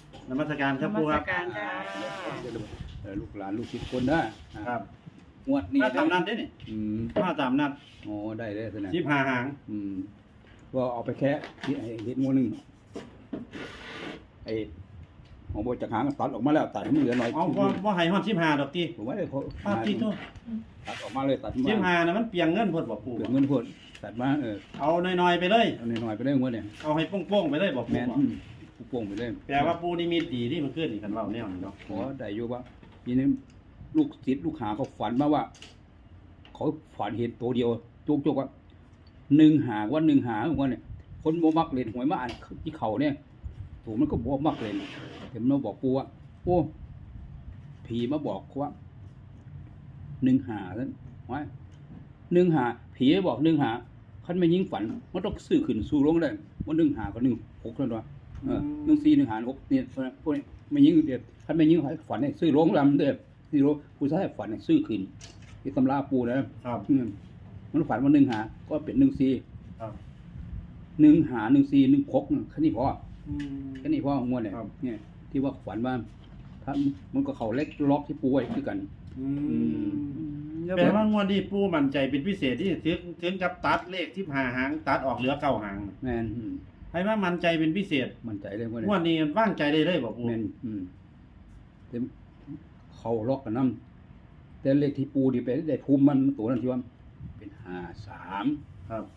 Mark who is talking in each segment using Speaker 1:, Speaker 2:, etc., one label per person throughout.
Speaker 1: นมัสการครับปูครับ
Speaker 2: นมัสการค่ะ
Speaker 3: ลูกหลานลูกศิษย์คนนะครับ งวดนี้
Speaker 1: มาตามนัดได้นี่ มาตามนัด
Speaker 3: โอ้ได้เลยสินะ
Speaker 1: 15หาง
Speaker 3: ก็เอาไปแค่ที่ไอ้เห็ดงูหนึ่งไอ้ของโบจากหางตัดออกมาแล้วตัดให้มันเหลือหน่อย
Speaker 1: เอาบ่ให้ฮอด15ดอกติ
Speaker 3: ผมว่าได้พอ
Speaker 1: ภาพที่โต
Speaker 3: ตัดออกมาเลยตัดมา
Speaker 1: 15น่ะมันเปียงเงินเพิ่นบ่ปู
Speaker 3: เกิดเงินพดตัดมา
Speaker 1: เอาน้อยๆไปเลย
Speaker 3: เอาหน่อยๆไปได้งวดเนี่ย
Speaker 1: เอาให้โป้งๆไปเลยบ่ปู
Speaker 3: แม่นผู้โป่งไปเลย
Speaker 1: แปลว่าปูนี่มีดีที่มันขึ้นนี่คันเว้าแนวนี้เนาะ
Speaker 3: ขอได้อยู่ว่าทีนี้ลูกศิษย์ลูกหาเขาฝันมาว่า เขาฝันเห็นตัวเดียวจุกว่า1 หาว่า1 หาว่าเนี่ยคนบ่มักเล่นหวยมาอ่านที่เขาเนี่ยตัวมันก็บ่มักเล่นเห็นมันบอกปูว่าโอ้ผีมาบอกว่า1 หาซั่นว่า1 หาผีบอก1 หาคันไม่ยิงฝันมันต้องซื้อขึ้นสู้ลงได้ว่า1 หากับ1 6นั่นว่า1 4 1 หา6เนี่ยพวกนี้ไม่ยิงเด็ดคันไม่ยิงฝันให้ซื้อลงลำเด้อซื้อลงผู้ชายฝันให้ซื้อขึ้นที่ตำราปูนะครับมันฝันว่า1 หาก็เป็น1 4
Speaker 1: ครับ
Speaker 3: 1 หา1 4 1 6แค่นี้พอแค่นี้พองวดเนี่ยที่ว่าฝันว่าถ้ามันก็เขาเล็กล็อกที่ปูไว้คือกัน
Speaker 1: แปลว่างวดนี้ปูมั่นใจเป็นพิเศษที่ถึงกับตัดเลข15หางตัดออกเหลือ9หาง
Speaker 3: แม่น
Speaker 1: ให้ว่ามั่นใจเป็นพิเศษ
Speaker 3: มั่นใจเลยว่า
Speaker 1: งวดนี้ว่างใจได้เลยบ่ปู
Speaker 3: แม่นเต็มเขาล็อกกันนำแต่เลขที่ปูดิไปได้ภูมิมันตัวนั้นที่ว่าเป็น53
Speaker 1: ครับ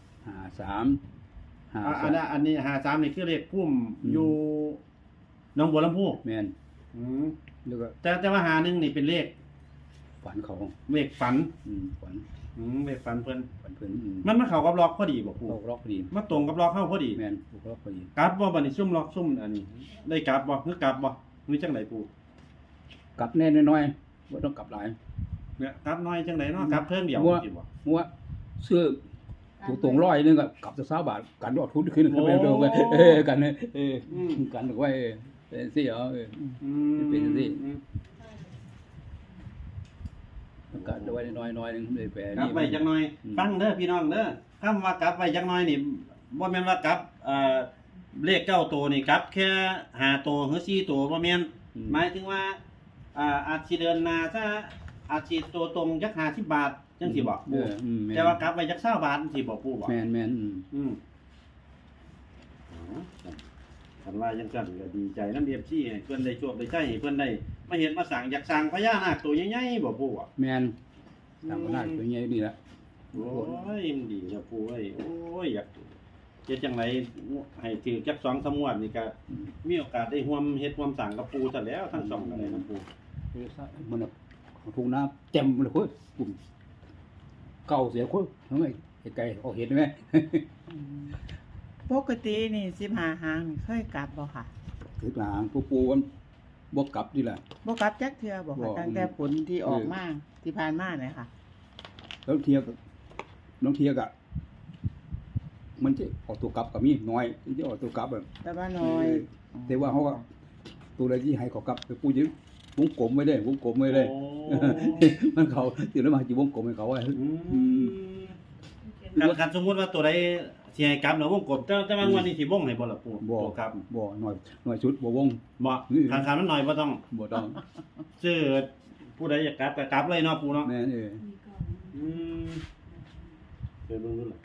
Speaker 3: 53
Speaker 1: อันนี้53นี่คือเลขพุ่มอยู่หนองบัวลำพู
Speaker 3: แม่น
Speaker 1: อืม
Speaker 3: แล้วก็
Speaker 1: แต่ว่า51นี่เป็นเลข
Speaker 3: ฝันเขา
Speaker 1: เลขฝัน
Speaker 3: ฝัน
Speaker 1: เลขฝันเพิ่น
Speaker 3: เพิ่น
Speaker 1: มันมาเข้ากับล็อกพอดีบ่ปู
Speaker 3: เขาล็อกพอดี
Speaker 1: มาตรงกับล็อกเข้าพอดี
Speaker 3: แม่นถูกล็อกพอดี
Speaker 1: กลับบ่บัดนี้ซุ่มล็อกซุ่มอันนี้ได้กลับบ่คือกลับบ่หรือจังไดปู
Speaker 3: กลับแน่น้อยๆบ่ต้องกลับหลาย
Speaker 1: เนี่ยกลับน้อยจังไดเนาะกลับเทิงเดียว
Speaker 3: มั่ว
Speaker 1: สิบ่
Speaker 3: มัวเสื้อถูกตรงร้อยนึงก็กลับจะ20 บาทกันออกทุนขึ้นไปเร็วไปกันกันไว้เป็นสิเป็นสิกันไว้น้อยๆนึงเลยแปล
Speaker 1: กลับไว้จังน้อยฟังเด้อพี่น้องเด้อคำว่ากลับไว้จังน้อยนี่บ่แม่นว่ากลับเลข9ตัวนี่กลับแค่5ตัวหรือ4ตัวบ่แม่นหมายถึงว่าอาจสิเดินหน้าซะอาจสิตัวตรงจัก50 บาทจังสิบ่ปูแต่ว่ากลับไว้จัก20 บาทจังสิบ่ปูบ่
Speaker 3: แม่น
Speaker 1: คันว่าจังซั่นก็ดีใจนำ FC ให้เพิ่นได้โชคได้ชัยให้เพิ่นได้มาเฮ็ดมาสร้างอยากสร้างพญานาคตัวใหญ่ๆบ่ปูบ่
Speaker 3: แม่นทำนาตัวใหญ่นี่ละ
Speaker 1: โอ้ยมันดีนะปูเอ้ยโอ้ยอยากเฮ็ดจังไดให้ถือจัก2-3งวดนี่ก็มีโอกาสได้ร่วมเฮ็ดร่วมสร้างกับปูซะแล้วทั้งสองก็ได้นะปู
Speaker 3: มันทุ่งนาเต็มเลยคุยปุ่มเก่าเสียคุยทำไมไกลออกเห็นไหม
Speaker 2: ปกตินี่15หางนี่เคยกลับบ่ค่ะ
Speaker 3: คือหางปูมันบกกลับนี่แหละ
Speaker 2: บ่กลับจักเทื่อบ่
Speaker 3: บ่
Speaker 2: ค่ะตั้งแต่ผลที่ออกมาที่ผ่านมาเนี่ยค่ะ
Speaker 3: แล้วเทียกน้องเทียกอ่ะมันจะออกตัวกลับกับมีน้อยที่จะออกตัวกลับแบบ
Speaker 2: แต่ว่าน้อย
Speaker 3: แต่ว่าเขาก็ตัวอะไรที่ให้เขากลับไปปูยืมวงกลมไม่ได้วงกลมไม่ได้
Speaker 1: โอ้
Speaker 3: มันเขาตื่นแล้วมาจีวงกลมให้เขาไว้
Speaker 1: คันสมมุติว่าตัวใดสิให้กลับแล้ววงกบแต่ว่างวดนี้สิวงให้บ่ล่ะปู
Speaker 3: บ่
Speaker 1: ตัวกลับ
Speaker 3: บ่หน่อยชุดบ่วง
Speaker 1: บ่คันมันน้อยบ่ต้อง
Speaker 3: บ่ต้อง
Speaker 1: ซื้อผู้ใดอยากกลับก็กลับเลยเนาะปูเนาะ
Speaker 3: แม่น
Speaker 1: อืมเคยเบิ่งดูล่ะ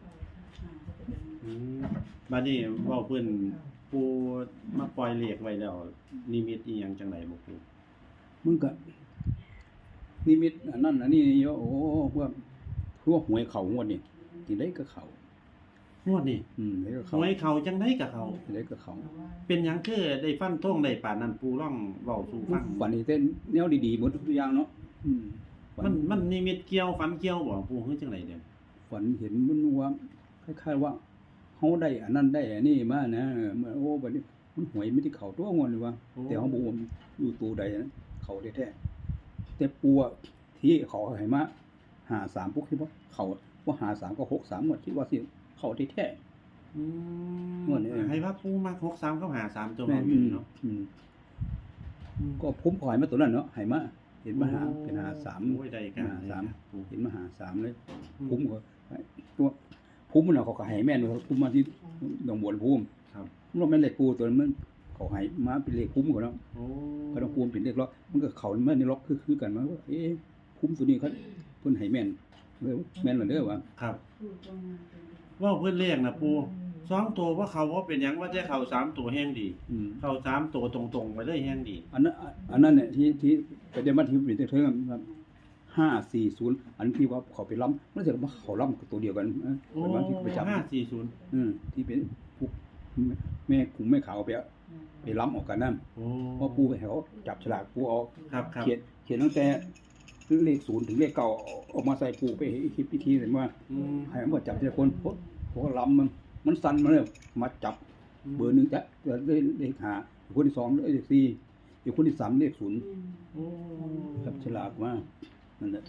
Speaker 1: บัดนี้เว้าเพิ่นปูมาปล่อยเลขไว้แล้วนิมิตอีหยังจังไดบ่ปู
Speaker 3: มึงก็นิมิตอันนั้นอันนี้โยโอ้พวกหวยเขางวดนี่ที่ได้ก็เขา
Speaker 1: งวดนี้
Speaker 3: ได้ก็
Speaker 1: ห
Speaker 3: เขา
Speaker 1: วยเขาจังไดก็เขา
Speaker 3: ได้ก็เขา
Speaker 1: เป็นหยังคือได้ฟันธงได้ปานนั้นปูร้องเว้าสู่ฟัง
Speaker 3: ฝันนี่เต้นแนวดีๆหมดทุกอย่างเนาะ
Speaker 1: มันนิมิตเกี่ยวฝันเกี่ยวบ่ปูคือจังไดเด้อ
Speaker 3: ฝันเห็นมันว่าคล้ายๆว่าเฮาได้อันนั้นได้อันนี้มานะโอ้บัดนี้มันหวยไม่ได้เข้าตัวงวดเลยว่าแต่เฮาบ่ว่าอยู่ตัวใดนะเขาแท้ๆแต่ปัวที่เขาให้มา53ปุ๊กคิดว่าเขาว่า53ก็63หมดคิดว่าสิเขาแท้ๆ งวดนี้
Speaker 1: ให้ว่าปูมา63กับ53ตัว
Speaker 3: แม่
Speaker 1: เอาอยู่เนาะ
Speaker 3: ก็พุ่มขอยมาตัวนั้นเนาะให้มาเห็นมาหาเป็น
Speaker 1: โอ้ยได้กัน
Speaker 3: เห็นมา53เลยพุ่มก็ตัวพุ่มมันเขาก็ให้แม่นพุ่มมาที่ดงบัวพุ่ม
Speaker 1: ครับ
Speaker 3: มันแม่นเหล็กปูตัวนั้นมันผเขาให้มาเป็นเลขคุ้มก่อนเนาะ
Speaker 1: โอ้
Speaker 3: ก็ต้องคุ้มเป็นเลขล็อกมันก็เขามันในล็อกคือกันว่าคุ้มตัวนี้เขาเพิ่นให้แม่นแม่นแล้วเด้อว่า
Speaker 1: ครับว่าเพิ่นเลขนะปู2ตัวว่าเขาว่าเป็นหยังว่าจะเข้า3ตัวแห้งดี เข้า3ตัวตรงๆไปเลยแห้งดี
Speaker 3: อันนั้นเนี่ยที่ไปได้มาที่เป็นเทิงครับ540อันที่ว่าเขาไปล้ำมันจะมาเขาล้ำกับตัวเดียวกัน
Speaker 1: โอ้
Speaker 3: เป็นวันที่ไปจับ
Speaker 1: 540
Speaker 3: ที่เป็นพวกแม่ขุมแม่ขาวไปล้ำออกกันนั่น
Speaker 1: โอ้
Speaker 3: เพราะปูไปให้เขาจับฉลากปูเอา
Speaker 1: ครับครับ
Speaker 3: เขียนตั้งแต่เลข0ถึงเลข9ออกมาใส่ปูไปคิดพิธีเลยว่า
Speaker 1: อืม
Speaker 3: ให้มันจับทีละคนเพราะล้ำมันสั่นมาเลยมาจับเบอร์1จะเลข5คนที่2เลข4อีกคนที่3เลข0
Speaker 1: โอ้
Speaker 3: จับฉลากมานั่นแหละ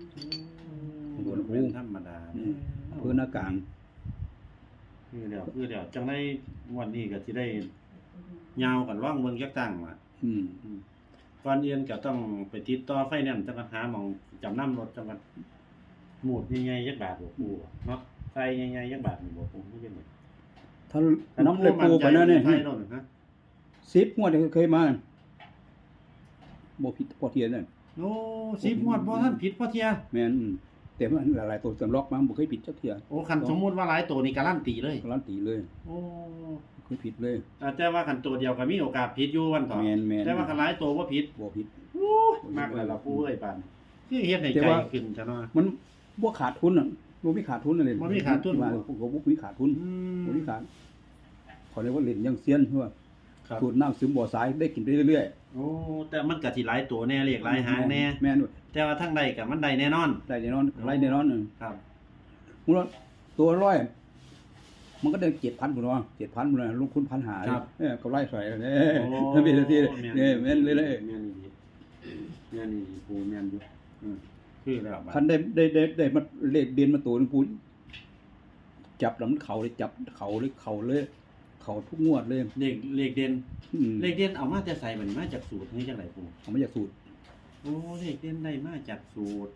Speaker 1: เป็นธรรมดา
Speaker 3: เพื่อหน้ากลาง
Speaker 1: คือเดี๋ยวจังได้งวดนี้ก็สิได้ยาวกันว่างเบิ่งจักตั้งว่า
Speaker 3: อืม
Speaker 1: ก่อนอื่นก็ต้องไปติดต่อไฟแนนซ์จังหวัดหาหม่องจำนำรถจังหวัดหมูดใหญ่ๆจักบาทบ่ปู่เนาะไฟใหญ่ๆจักบาทนี่บ่ปู่คือจังได๋
Speaker 3: ถ้าน้ำเลยปูไปนั่นเนี่ย
Speaker 1: ไฟโน่นฮะ
Speaker 3: 10งวดเคยมาบ่ผิดพอเทียนนั่น
Speaker 1: โอ้10งวดบ่ทันผิดพอเที่ย
Speaker 3: แม่นแต่มันหลายๆตัวจำล็อกมาบ่เคยผิดจักเที่ย
Speaker 1: โอ้คันสมมุติว่าหลายตัวนี่การันตีเลย
Speaker 3: การันตีเลย
Speaker 1: โอ้
Speaker 3: บ่เคยผิดเลย
Speaker 1: แต่ว่าคันตัวเดียวก็มีโอกาสผิดอยู่วันต่อ
Speaker 3: แม่น
Speaker 1: แต่ว่าคันหลายตัวบ่ผิด
Speaker 3: บ่ผิด
Speaker 1: โอ้มากเลยล่ะปู่เอ้ยปานคือเฮ็ดให้
Speaker 3: แต่
Speaker 1: ใจ
Speaker 3: ว่า
Speaker 1: ขึ้นซะเนาะ
Speaker 3: มันบ่ขาดทุนน่ะบ่มีขาดทุนนั่นเลย
Speaker 1: บ่มีขาดทุน
Speaker 3: ว่าบ่มีขาดทุน
Speaker 1: อืม
Speaker 3: บ่มีขาดเขาเรียกว่าเล่นยังเซียนเพราะว่า
Speaker 1: ครับ
Speaker 3: สูตรน้ำซึมบ่อสายได้กินไปเรื่อย
Speaker 1: โอ้แต่มันก็สิหลายตัวแน่เลขหลายหางแน่
Speaker 3: แม่นด้วย
Speaker 1: แต่ว่าทางใดก็มันได้แน่นอน
Speaker 3: ได้แน่นอนไล่แน่นอน
Speaker 1: ครับ
Speaker 3: มูลตัวร้อยมันก็ได้7,000พุ่นว่า7,000พุ่นน่ะลงทุน1,500ก็ไล่ใส่เด้ถ้ามีทีนี่แม่นเลย
Speaker 1: แม่นดีแม่นดีปูแม่นอยู่คือแล้วบัด
Speaker 3: คันได้มาเลขเดือนมาตัวนึงปูจับแล้วมันเข่าเลยจับเข่าเลยเข่าทุกงวดเลย
Speaker 1: เลขเด่น
Speaker 3: อืม
Speaker 1: เลขเด่นเอามาแต่ใส่มันมาจากสูตรนี่จังไดปู
Speaker 3: เอามาจากสูตร
Speaker 1: โอ้เลขเด่นได้มาจากสูตร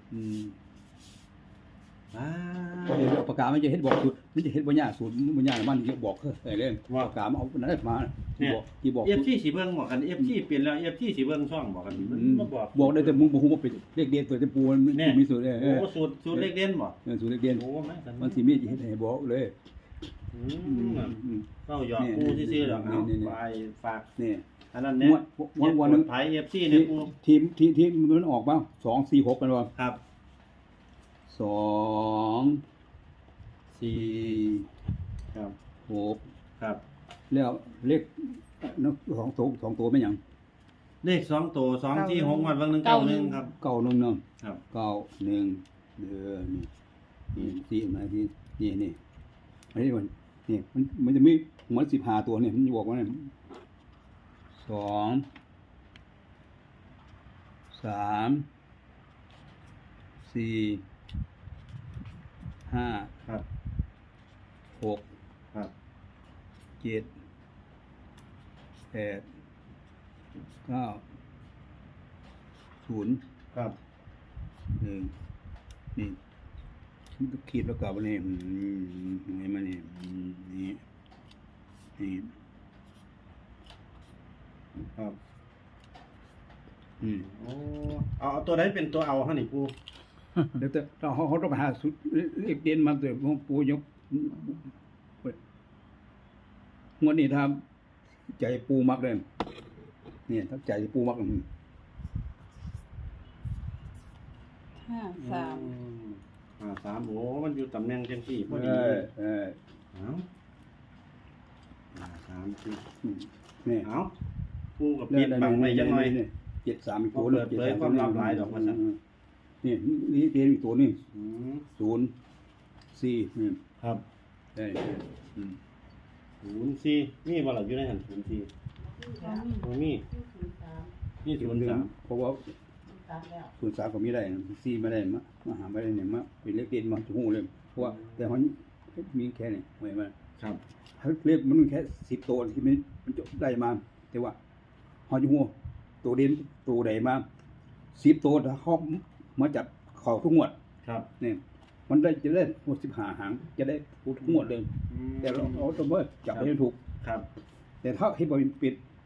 Speaker 1: ว้า
Speaker 3: ก็เห็นปากกามันจะเฮ็ดบอกสูตรมันจะเฮ็ดบ่ยากสูตรบ่ยากมันจะบอกได้เลยปากกามันเอานั้นมาที่บอก
Speaker 1: FC สิเบิ่งบอกกัน FC เปลี่ยนแล้ว FC สิเบิ่งช่องบอกกันมันบ่บอก
Speaker 3: บอกได้แต่มึงบ่ฮู้ว่าเป็นเลขเดือนตัวแต่ปูมันมีสูตร
Speaker 1: โอ้สูตรเลขเด่นบ่
Speaker 3: สูตรเลขเดือน
Speaker 1: โอ้มาสัน
Speaker 3: มันสิมีเฮ็ดให้บอกเลย
Speaker 1: เข้าหยอกปูซื่อๆดอกเอา
Speaker 3: นี่
Speaker 1: ไปฝาก
Speaker 3: นี่
Speaker 1: อันนั้นเนี่ย
Speaker 3: วันนึง
Speaker 1: ไผ FC เนี่ยปู
Speaker 3: ทีมมันออกมา2 4 6กันว่า
Speaker 1: ครับ
Speaker 3: 2 4
Speaker 1: ครับ
Speaker 3: 6
Speaker 1: ครับ
Speaker 3: แล้วเลข2ตัวแม่นหยัง
Speaker 1: เลข2ตัว2ที่6งวดวันนึง91ครับ
Speaker 3: 91เนาะ
Speaker 1: ครับ
Speaker 3: 91นี่มาที่นี่อันนี้มันจะมีหัว15ตัวเนี่ยมันบอกว่าเนี่ย2 3 4 5
Speaker 1: ครับ
Speaker 3: 6
Speaker 1: ครับ
Speaker 3: 7 8 9 0
Speaker 1: ครับ
Speaker 3: 1นี่มันก็ขีดแล้วกลับมานี่ไงมานี่นี่
Speaker 1: ครับ
Speaker 3: โอ้
Speaker 1: เอาตัวไหนเป็นตัวเอาเฮานี่ปู
Speaker 3: เดี๋ยวเขาต้องไปหาสุดเลขเด่นมาเถอะของปูยกงวดนี้ทำใจปูมักเลยเนี่ยถ้าใจปูมัก
Speaker 2: 53
Speaker 1: 3โอ้มันอยู่ตำแหน่งจังซี่พอดีเอา3สิ
Speaker 3: นี่
Speaker 1: เอาปูกับปิดบังไว้จังหน่อย
Speaker 3: 73อีกตัว
Speaker 1: เปิดเผยความลับหลายดอกว่าซั่น
Speaker 3: นี่เด่นอีกตัวนี่
Speaker 1: อืม
Speaker 3: 0 4นี่
Speaker 1: ครับ
Speaker 3: ได้
Speaker 1: 04มีบ่ล่ะอยู่ในหัน04บ่มีนี่03
Speaker 3: เพราะว่า03ก็มีได้4ไม่ได้มาหาไม่ได้เนี่ยมาเป็นเลขเด่นมาจะฮู้เลยเพราะว่าแต่เขามีแค่นี้ไว้มา
Speaker 1: ครับ
Speaker 3: เลขมันแค่10ตัวที่มันจะได้มา แต่ว่าเขาจะฮู้ตัวเด่นตัวใดมา10ตัวถ้าเขามาจับเข้าทุกงวด
Speaker 1: ครับ
Speaker 3: นี่มันจะได้หมด15หางจะได้ทุกงวดเลยแต่เราต้องว่าจับให้ถูก
Speaker 1: ครับ
Speaker 3: แต่ถ้าเฮ็ดบ่เป็น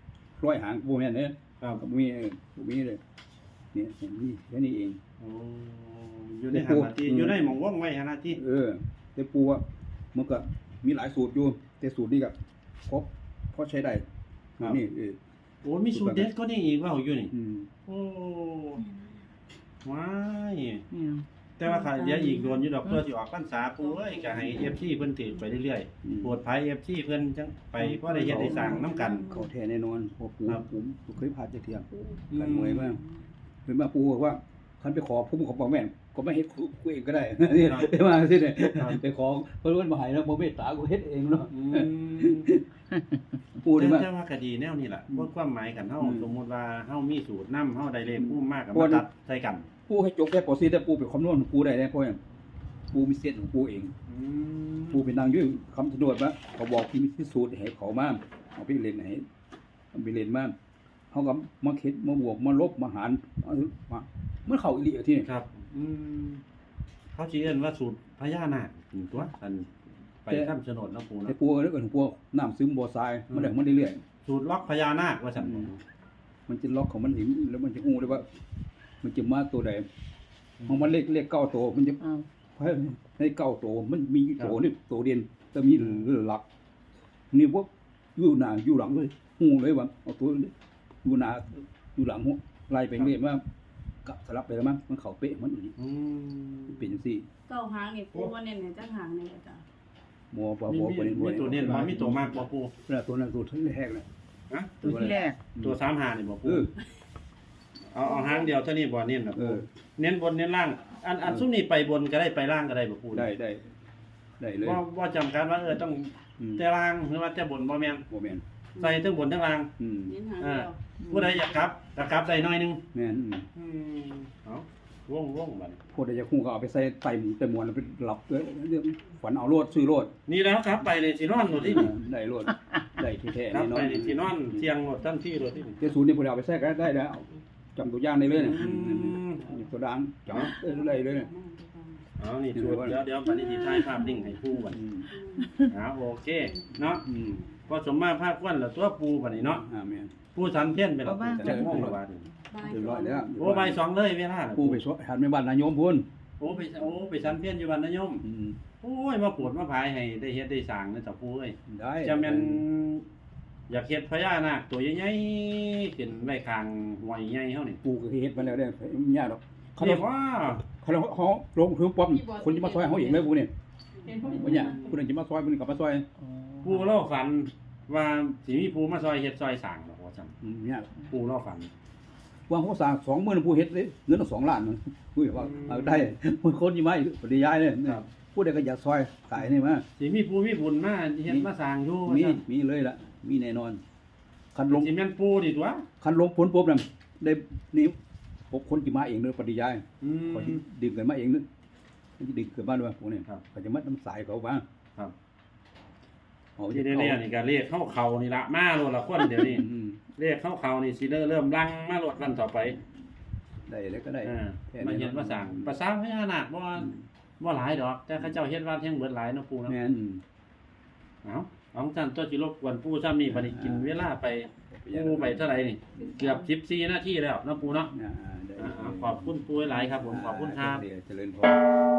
Speaker 3: ร้อยหางบ่แม่นเด้
Speaker 1: ครับ
Speaker 3: บ่มีบ่มีเลยเนี่ยนี่แค่นี้เอง
Speaker 1: โอ้อยู่ในหาที่อยู่ในหม่องว่องไว้หาที่
Speaker 3: แต่ปูว่ามันก็มีหลายสูตรอยู่แต่สูตรนี้ก็พอใช้ได้นี่
Speaker 1: โอ้มีสูตรเด็ดก็นี่อีกว่าอยู่นี่
Speaker 3: อืม
Speaker 1: โอ้ว้าย
Speaker 2: อืม
Speaker 1: แต่ว่าค่ะเดี๋ยวอีกโดนอยู่ดอกเพื่อสิออกพรรษาปูเอ้ยก็ให้ FC เพิ่นถือไปเรื่อยๆโปรดภัย FC เพิ่นจังไปเพราะได้เฮ็ดได้สร้างนํกัน
Speaker 3: เขาแท้แน่นอนเพอปู
Speaker 1: ครับ
Speaker 3: ผมเคยผ่านจักเที่ยกันหน่วยมากเพิ่นมาปูบอกว่าคันไปขอผมขอบอกแม่นก็ไม่เฮ็ดกูเองก็ได้นี่ได้มาสิเนี่ยไปขอเพิ่นบ่ให้แล้วบ่เมตตากูเฮ็ดเองเนาะ
Speaker 1: อืม
Speaker 3: ปูนี่มา
Speaker 1: แต่ว่าก็ดีแนวนี้ล่ะว่าความหมายกันเฮา
Speaker 3: อืม
Speaker 1: สมมุติว่าเฮามีสูตรนำเฮาได้เลขผู้มากกับ
Speaker 3: เพราะ
Speaker 1: มา
Speaker 3: ว่า
Speaker 1: ตัดใส่กัน
Speaker 3: ปูให้จบแค่ปอซีแต่ปูเป็นคำนวณของปูได้เพราะหยังปูมีเส้นของปูเอง
Speaker 1: อืม
Speaker 3: ปูเป็นนางอยืดคำสะดวกว่าเขาบอกที่มีที่สูตรให้เขามาเอาไปเล่นให้เอาไปเล่นมาเขาก็มาคิดมาบวกมาลบมาหารมาเมื่อเขาอีหลีอะที่นี่
Speaker 1: ครับ อืมเขาสิเอิ้นว่าสูตรพญานาคตัวอันไปข้ามโฉนดเนาะปู
Speaker 3: แต่
Speaker 1: เนาะ
Speaker 3: ปูเรื่องของปูน้ำซึมบ่อทรายมันได้มันเรื่อย
Speaker 1: สูตรล็อกพญานาคว่าซั่น
Speaker 3: ๆมันจะล็อกของมันเห็นแล้วมันจะงูเลยว่า มันจะมาตัวใดของมันเลขเก้าตัวมันจะ
Speaker 2: อ้าว
Speaker 3: ให้เก้าตัวมันมีตัวนี่ตัวเดียนแต่มีหลักนี่พวกอยู่หน้าอยู่หลังเลยงูเลยว่าเอาตัวอยู่หน้าอยู่หลังไล่ไปเรื่อยว่ากับสลับไปแล้วมั้งมันเข้าเป๊ะมันอีก
Speaker 1: อืม
Speaker 3: เป็นจังซี่
Speaker 4: เก้าหางนี่ปูว่าเน้นในจักหางนี่จ้ะ
Speaker 3: มัวบ่
Speaker 1: มี
Speaker 3: บ่บ่ได้บ่
Speaker 1: ตัวเน้นบ่มีตัวมากบ่ปู
Speaker 3: ตัวนั้นตัวที่แรกเลย
Speaker 1: ฮะ
Speaker 2: ตัวที่แรก
Speaker 1: ตัว35นี่บ่ปู
Speaker 3: เออ
Speaker 1: เอาหางเดียวเท่านี้บ่เน้นน่ะ
Speaker 3: เอ
Speaker 1: ปู
Speaker 3: อ
Speaker 1: เน้นบนเน้นล่าง อันซุมนี้ไปบนก็ได้ไปล่างก็ได้บ่ปู
Speaker 3: ได้เลย
Speaker 1: ว่าจำกัดว่าต้อง
Speaker 3: อืม
Speaker 1: แต่ล่างหรือว่าแต่บนบ่แม่น
Speaker 3: บ่แม่น
Speaker 1: ใส่ทั้งบนทั้งล่าง
Speaker 3: อืม
Speaker 4: เน้นหางเดียว
Speaker 1: ผู้ใดอยากกลับก็กลับได้หน่อยหนึง
Speaker 3: แม่น
Speaker 1: เอาว่องบัดนี้
Speaker 3: พวกใดจะคุ้งก็เอาไปใส่ไตหมูแต่หมวนแล้วไปหลับเรื่องฝันเอาโลดซื้อโลด
Speaker 1: นี่แล้วครับไปเลยสินอนโลดที่นี่
Speaker 3: ได้โลดได้แท้ๆ
Speaker 1: ครับ
Speaker 3: แน่นอ
Speaker 1: ไป
Speaker 3: น
Speaker 1: เลยสินอนเที่ยงโลดทันทีโลดที่นี่
Speaker 3: เจ้าศูนย์นี่พวกเราเอาไปแทรกได้แล้วจำตัวอย่างได้เลยเนี่ย
Speaker 1: ม
Speaker 3: ตัวดังจังได้เลยเนี่ย
Speaker 1: เอานี่ชวนเดี๋ยวบัดนี้สิถ่ายภาพนิ่งให้ผู้บัด
Speaker 3: อืม
Speaker 1: โอเคเนาะ
Speaker 3: อืม
Speaker 1: พอสมมาภาพควันแล้วตัวปูบัดนี้เนาะ
Speaker 3: แม่น
Speaker 1: ปูสันเพี้ยนไปแล้วจักโมงและบาดนี้
Speaker 3: เรียบร้อยแล้ว
Speaker 1: โอ้ใบสองเลยเวลา
Speaker 3: ผู้ไปสวดหันไปบ้านนายโยมพุ่น
Speaker 1: โอ้ไปสันเพี้ยนอยู่บ้านนายม
Speaker 3: อืม
Speaker 1: โอ้ยมาปวดมาพายให้ได้เฮ็ดได้สร้างนะเจ้าปู่เอ้ย
Speaker 3: ได้
Speaker 1: จะแม่นอยากเฮ็ดพญานาคตัวใหญ่ๆขึ้นไว้ข้างห้วยใหญ่เฮานี่
Speaker 3: ปู่ก็เฮ็ดมาแล้วเด้ยากดอกเขา
Speaker 1: เรียกว่า
Speaker 3: เขาลงถึงปั๊บคนจะมาซอยเขาอีกเลยปู่เนี่ย
Speaker 4: เป็นผู้
Speaker 3: บ่ยากผู้นึงจะมาซอยผู้นึงก็มาซอย
Speaker 1: ปู่เล่าฝันว่าสิมีผู้มาซอยเฮ็ดซอยสร้างดอกว่าซั่น
Speaker 3: ยาก
Speaker 1: ปู่เล่าฝัน
Speaker 3: วางเขาสร้าง20,000ผู้เฮ็ดเลยเงิน2ล้านมันอุ้ยว่าเอาได้คนยี่ไม้ปฏิยายเลยผู้ใดก็อยากซอยขายนี่มา
Speaker 1: สิมีผู้มีบุญมาเฮ็ดมาสร้างอยู่ว่า
Speaker 3: มี
Speaker 1: ซั่น
Speaker 3: มีเลยล่ะมีแน่นอนคันลง
Speaker 1: สิแม่นปู่นี่ตัว
Speaker 3: คันลงผลปุ๊บนั่นได้นี่พบคนที่มาเองเลยปฏิยาย
Speaker 1: อืม
Speaker 3: เขาสิดึงกันมาเองนึมันสิดึงเกิดบ้านด้วยพวกนี้
Speaker 1: ครับ
Speaker 3: เขาจะมัดน้ำสายเขาบ้าง
Speaker 1: ครับ
Speaker 3: เอา
Speaker 1: ที่แน่ๆนี่ก็เลขเข้านี่ละมาโลดละคนเดี๋ยวนี้
Speaker 3: อืม
Speaker 1: เลขเข้านี่สิเริ่มลังมาโลดวันต่อไป
Speaker 3: ได้แล้วก็ได้
Speaker 1: มาเฮ็ดมาสร้างภาษาพญานาคบ่หลายดอก แต่เขาเจ้าเฮ็ดวัดแห่งเบิดหลายเนาะปู่เนาะ
Speaker 3: แม่น
Speaker 1: เอาของท่านตัวสิรบกวนปู่ซ้ำนี่บัดนี้กินเวลาไปปู่ไปเท่าไหร่นี่เกือบ14นาทีแล้วเนาะปู่เนาะ
Speaker 3: ได้
Speaker 1: ขอบคุณปู่หลายครับผมขอบคุณครับ
Speaker 3: เจริญพร